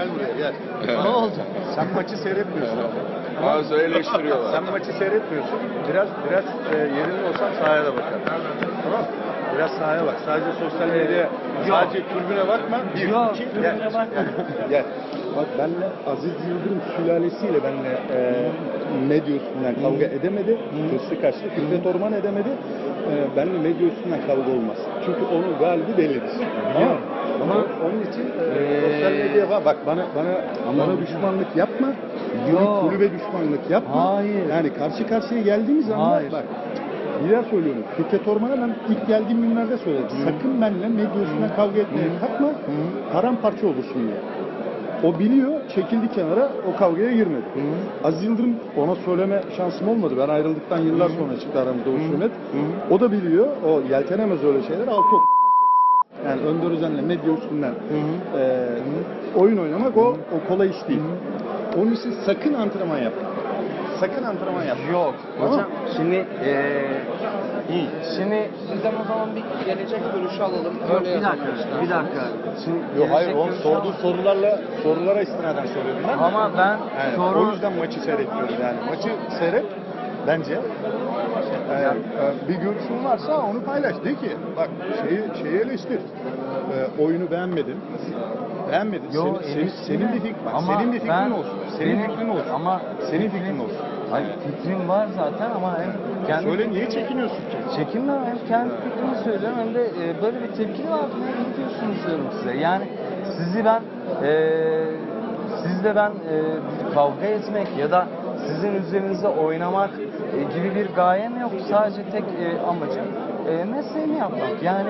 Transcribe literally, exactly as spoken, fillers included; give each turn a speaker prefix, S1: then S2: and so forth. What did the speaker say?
S1: Gel buraya gel.
S2: Ne oldu?
S1: Sen maçı seyretmiyorsun.
S3: Bazı eleştiriyorlar.
S1: Sen maçı seyretmiyorsun. Biraz biraz e, yerinde olsan sahaya da bakar. Tamam mı? Biraz sahaya bak. Sadece sosyal medyaya, sadece tribüne bakma. Bir,
S2: Yok,
S1: iki,
S2: tribüne
S1: gel.
S2: bakma.
S1: Gel. Gel. Bak benle Aziz Yıldırım sülalesiyle benle e, medya üstünden kavga edemedi. Hırslı kaçtı. Fikret Orman edemedi. E, benle medya üstünden kavga olmaz. Çünkü onun galibi delidir. Ama, ama onun için e,
S2: Ee,
S1: sosyal medyaya bak. Bak bana bana
S2: Ama-
S1: bana düşmanlık yapma.
S2: Yok.
S1: Kulübe düşmanlık yapma.
S2: Hayır.
S1: Yani karşı karşıya geldiğimiz anda
S2: Hayır.
S1: bak. Bir daha söylüyorum. Fikret Orman'a ben ilk geldiğim günlerde söyledim. Sakın benimle medya üstünden kavga etmeye kalkma. Paramparça olursun diye. O biliyor, çekildi kenara, o kavgaya girmedi. Aziz Yıldırım ona söyleme şansım olmadı. Ben ayrıldıktan yıllar sonra çıktı aramızda o sünnet. O da biliyor, o yeltenemez öyle şeyler. Altı ok. Yani Önder Özen'le medya üstünden e, oyun oynamak o, o kolay iş değil. Onun için sakın antrenman yapma. Sakın antrenman yapma.
S2: Yok.
S1: Tamam.
S2: Hocam şimdi eee şimdi
S4: Sizden o zaman bir gelecek görüşü alalım.
S2: Yok,
S4: Öyle
S2: bir dakika,
S4: yapalım.
S2: bir dakika. Şimdi
S1: Yok hayır,
S2: gelecek
S1: o
S2: görüşü
S1: sorduğu
S2: ama-
S1: sorularla sorulara istinaden soruyorum ben.
S2: Ama ben
S1: Yani
S2: soru
S1: o yüzden maçı seyretmiyorum yani. Maçı seyret bence. Eğer e, bir görüşün varsa onu paylaş. De ki bak şeyi, şeyi eleştir. E, oyunu beğenmedim. Beğenmedin.
S2: Yo,
S1: senin, senin,
S2: eleştirme.
S1: senin bir fikrin, bak,
S2: Ama
S1: senin bir fikrin
S2: ben-
S1: olsun. Senin
S2: benim-
S1: fikrin olsun.
S2: ama
S1: senin
S2: fikrim-
S1: fikrin olsun.
S2: Hayır, fikrim var zaten ama hem kendi
S1: Söyle, niye çekiniyorsun ki?
S2: çekinmem, hem kendi fikrimi söylüyorum hem de e, böyle bir tepki var. Ne diyorsunuz diyorum size. Yani sizi ben e, sizle ben e, bir kavga etmek ya da sizin üzerinize oynamak e, gibi bir gayem yok. Sadece tek e, amacım e, mesleğimi yapmak. Yani